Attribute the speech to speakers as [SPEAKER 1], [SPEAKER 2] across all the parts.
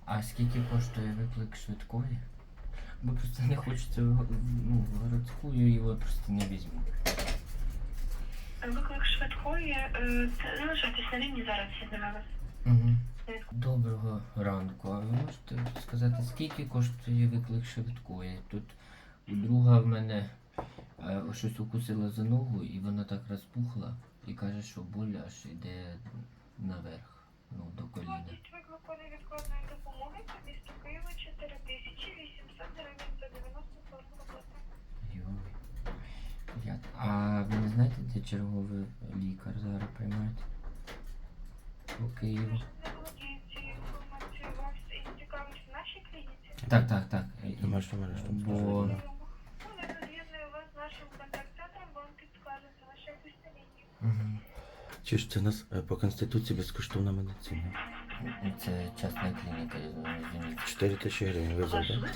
[SPEAKER 1] А скільки коштує виклик швидкої? Бо просто не хочеться городську, його просто не візьму.
[SPEAKER 2] Виклик швидкої, залишайтесь на лінії, зараз я вас.
[SPEAKER 1] Угу. Доброго ранку. А ви можете сказати, скільки коштує виклик швидкої? Тут у друга в мене щось укусило за ногу і вона так розпухла і каже, що боль аж йде наверх, до коліна.
[SPEAKER 2] Вартість виклику невідкладної допомоги по місту Києва 4800 гривень за 90 хвилин роботи.
[SPEAKER 1] Йой. А ви не знаєте, де черговий лікар зараз приймають? По Києву.
[SPEAKER 2] Не володію цією інформацією, вас цікавить в нашій клініці?
[SPEAKER 1] Так.
[SPEAKER 3] Домашнім арештом.
[SPEAKER 1] Бо...
[SPEAKER 2] Ну, я роз'єдную вас з нашим контакт-центром, вам підскажуть, залишайтесь на лінії.
[SPEAKER 1] Угу.
[SPEAKER 3] Чи ж це у нас по Конституції безкоштовна медицина?
[SPEAKER 1] Це частна клініка, я розумію.
[SPEAKER 3] 4000 гривень ви завдали.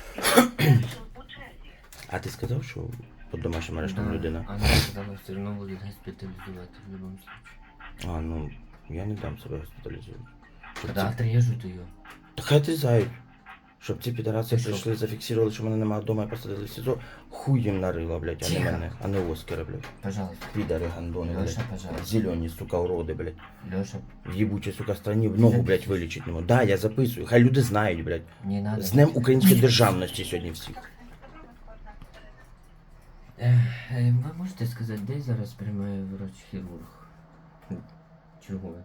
[SPEAKER 3] А ти сказав, що під домашнім арештом людина?
[SPEAKER 1] Вона сказала, все одно будуть госпіталізувати в будь-якому випадку.
[SPEAKER 3] А, ну, я не дам себе госпіталізувати.
[SPEAKER 1] Тогда отрежут ее.
[SPEAKER 3] Та хай ти зай. Щоб ці підараси
[SPEAKER 1] Ти що?
[SPEAKER 3] прийшли, зафіксували, що мене немає вдома і посадили в СІЗО, хуй їм нарила, блядь, а не
[SPEAKER 1] Тихо.
[SPEAKER 3] мене, а не Оскара, блядь.
[SPEAKER 1] Пожалуйста.
[SPEAKER 3] Підари, гандони,
[SPEAKER 1] Леша,
[SPEAKER 3] блядь.
[SPEAKER 1] пожалуйста.
[SPEAKER 3] Зелені, сука, уроди, блядь.
[SPEAKER 1] Леша,
[SPEAKER 3] В їбучій, сука, страні ногу, блядь, вилічить не можу. Да, я записую, хай люди знають, блядь.
[SPEAKER 1] не надо.
[SPEAKER 3] З Днем української державності сьогодні всіх.
[SPEAKER 1] Ви можете сказати, де зараз приймає врач-хірург? Черговий.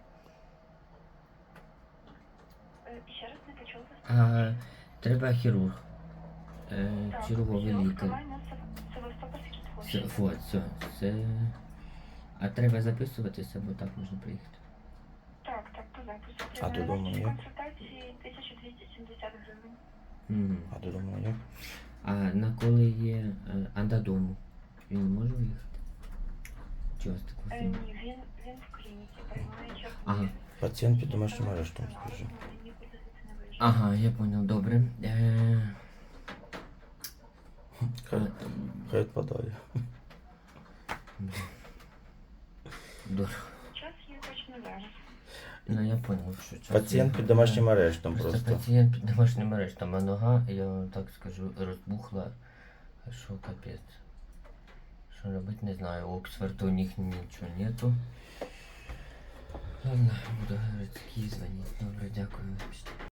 [SPEAKER 2] Ще раз не почула вас.
[SPEAKER 1] Треба хірург. Черговий лікар.
[SPEAKER 2] Лікування Севастопольський
[SPEAKER 1] Все,
[SPEAKER 2] творчий.
[SPEAKER 1] вот, все. А треба записуватися, бо так можна приїхати.
[SPEAKER 2] Так, по запису.
[SPEAKER 3] А додому
[SPEAKER 2] Вартість
[SPEAKER 3] як?
[SPEAKER 2] консультації 1270 гривень.
[SPEAKER 1] Угу.
[SPEAKER 3] А додому як?
[SPEAKER 1] А на коли є... А додому? Він не може виїхати? Чи у вас такого?
[SPEAKER 2] Ні, він в клініці приймає чергу.
[SPEAKER 1] Ага.
[SPEAKER 3] Пацієнт під домашнім арештом, скажи.
[SPEAKER 1] Ага, я понял, добре.
[SPEAKER 3] Хай відпадає.
[SPEAKER 1] Дорого.
[SPEAKER 2] Час є точно зараз.
[SPEAKER 1] Ну я понял, що час.
[SPEAKER 3] Пацієнт під домашнім арештом просто.
[SPEAKER 1] Пацієнт під домашнім арештом, а нога, я вам так скажу, розбухла. Що капець. Що робити, не знаю. Оксфорду у них нічого нету. Ладно, буду городський дзвонити. Добре, дякую.